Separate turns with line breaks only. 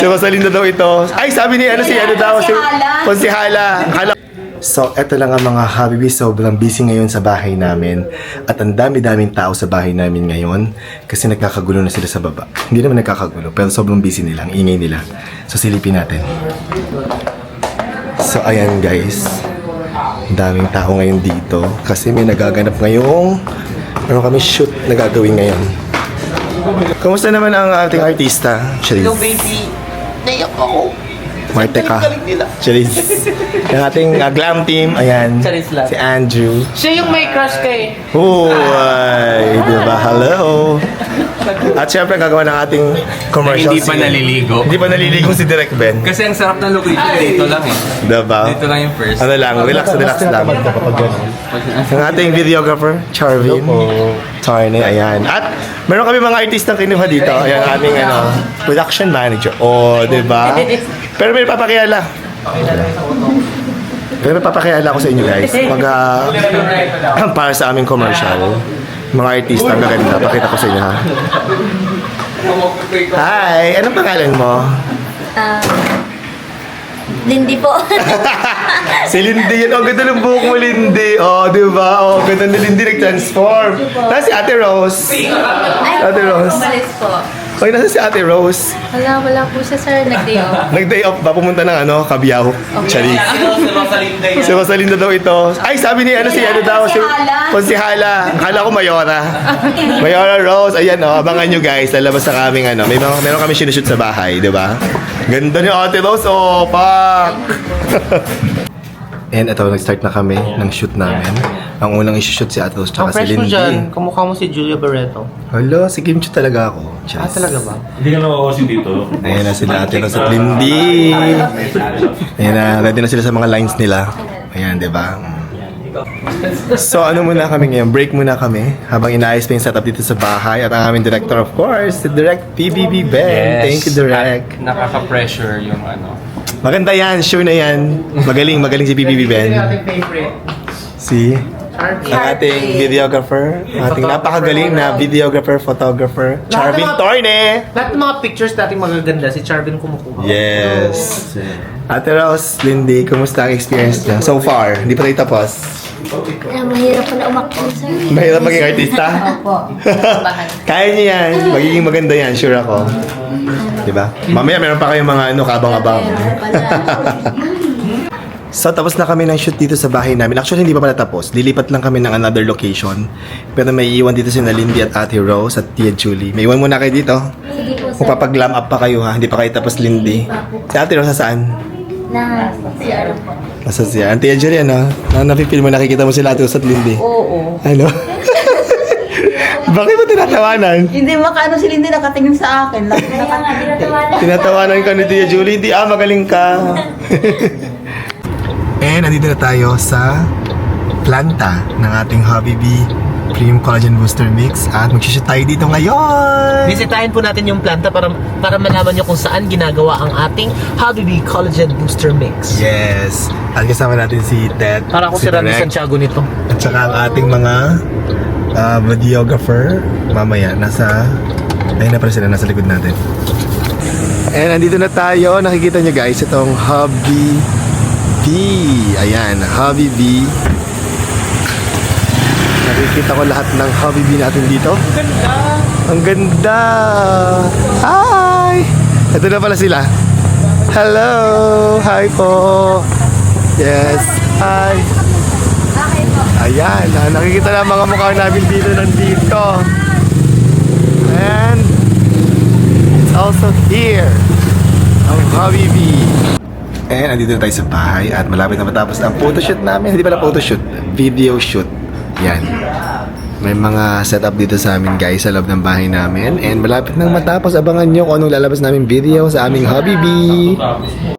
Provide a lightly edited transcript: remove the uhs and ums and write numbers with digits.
Si Rosalinda daw ito. Ay, sabi ni ano si ano daw, si Konsihala. So, eto lang ang mga Habibi. Sobrang busy ngayon sa bahay namin. At ang dami-daming tao sa bahay namin ngayon. Kasi nagkakagulo na sila sa baba. Hindi naman nagkakagulo, pero sobrang busy nila. Ang ingay nila. So, silipin natin. So, ayan guys. Ang daming tao ngayon dito. Kasi may nagaganap ngayong kami shoot na gagawin ngayon. Kamusta naman ang ating artista? Charis.
Hello baby, naiyak ako.
Marteka. Charis. Yung ating glam team, ayan.
Charis lang.
Si Andrew.
Siya yung may crush kay.
Ay, diba? Hello. At syempre gagawa ng ating commercial.
Hindi pa naliligo.
Hindi pa naliligo si Direk Ben.
Kasi ang sarap ng location dito lang eh.
Diba?
Dito lang yung first.
Ano lang, relax lang. Ang ating videographer, Charvin. Tarne, ayan. At meron kami mga artistang kinuha dito. Ayan, aming production manager. Oh, diba? Pero may papakilala. Pero may papakilala ko sa inyo guys. Para sa aming commercial. Mga artista, maganda. Pakita ko sa inyo ha. Hi! Anong pangalan mo?
Lindy po.
Si Lindy yun. Ang ganda ng buhok mo, Lindy. Oh, di ba? Oh, ganda ni Lindy nag-transform. Nasa si Ate Rose. Ate Rose.
Umalis po.
Oy, nasa si Ate Rose.
Wala po siya, sir. Nag-day off.
Nag-day off ba? Pumunta ng Cabiao. Charis. Si Rosalinda daw ito. Ay, sabi ni si ano daw, si Konsihala. Akala ko Mayora. Mayora Rose. Ayan, abangan nyo guys. Lalabas na kaming meron kami sinushoot sa bahay, di ba? Ganda ni Ate Rose. Oh, pak! And ito, nag-start na kami ng shoot namin. Ang unang i-shoot si Ate Rose tsaka si
Fresh mo
Lindy.
dyan, kamukha mo si Julia Barreto.
Hala, si Kim Chu talaga ako. Charis.
Talaga ba?
Hindi ka nawawasin dito.
Ayan na sila Ate Rose at Lindy. Ayan na, ready na sila sa mga lines nila. Ayan, di ba? So, ano muna kami ngayon? Break muna kami habang inaayos pa yung setup dito sa bahay. At ang aming director, of course, si Direk PBB Ben. Thank you, Direk.
At nakaka-pressure yung
Maganda yan, sure na yan. Magaling si PBB Ben.
favorite.
Si ang ating videographer, ating napakagaling na videographer, photographer, Charvin Torne.
Lahat ng mga pictures natin magaganda, si Charvin kumukuha.
Yes. Ate Rose, Lindy, kumusta ang experience niya? So far, hindi pa tayo tapos.
Mahirap po na umakto, sir.
Mahirap maging artista?
Opo.
Kaya niya yan. Magiging maganda yan, sure ako. Diba? Mamaya meron pa kayong mga kabang-abang. So, tapos na kami ng shoot dito sa bahay namin. Actually, hindi pa pala tapos. Lilipat lang kami ng another location. Pero may iwan dito si Lindy at Ate Rose at Tia Julie. May iwan muna kayo dito.
Sige po, sir.
Kung papag-glam up pa kayo ha. Hindi pa kayo tapos, Lindy. Si Ate Rose saan?
Na, CR po.
Nasa siya. Tia Julie, ano? Napipil mo, nakikita mo sila Ate Rose at Lindy.
Oo.
Ano? Bakit mo tinatawanan?
Hindi makaano si Lindy nakatingin sa akin.
Kaya nga, tinatawanan.
Tinatawanan ka ni Tia Julie. Hindi, magaling ka. And nandito na tayo sa planta ng ating Habibi Premium Collagen Booster Mix. At mag-shoot tayo dito ngayon.
Bisitahin po natin yung planta para malaman nyo kung saan ginagawa ang ating Habibi Collagen Booster Mix.
Yes. At kasama natin si Ted.
Para ako si Randy
Direk,
Santiago nito.
at saka ang ating mga videographer. Mamaya, ayun na pala sila, nasa likod natin. And nandito na tayo. Nakikita nyo guys, itong Habibi. Ayan, Habibi. Nakikita ko lahat ng Habibi natin dito. Ang ganda! Ang ganda! Hi! Ito na pala sila. Hello! Hi po! Yes! Hi! Ayan, nakikita na mga mukha namin dito nandito. And it's also here ang Habibi. And andito na tayo sa bahay at malapit na matapos ang photoshoot namin. Hindi pala photoshoot, video shoot. Yan. May mga setup dito sa amin guys sa loob ng bahay namin. And malapit nang matapos, abangan nyo kung anong lalabas namin video sa aming Habibi.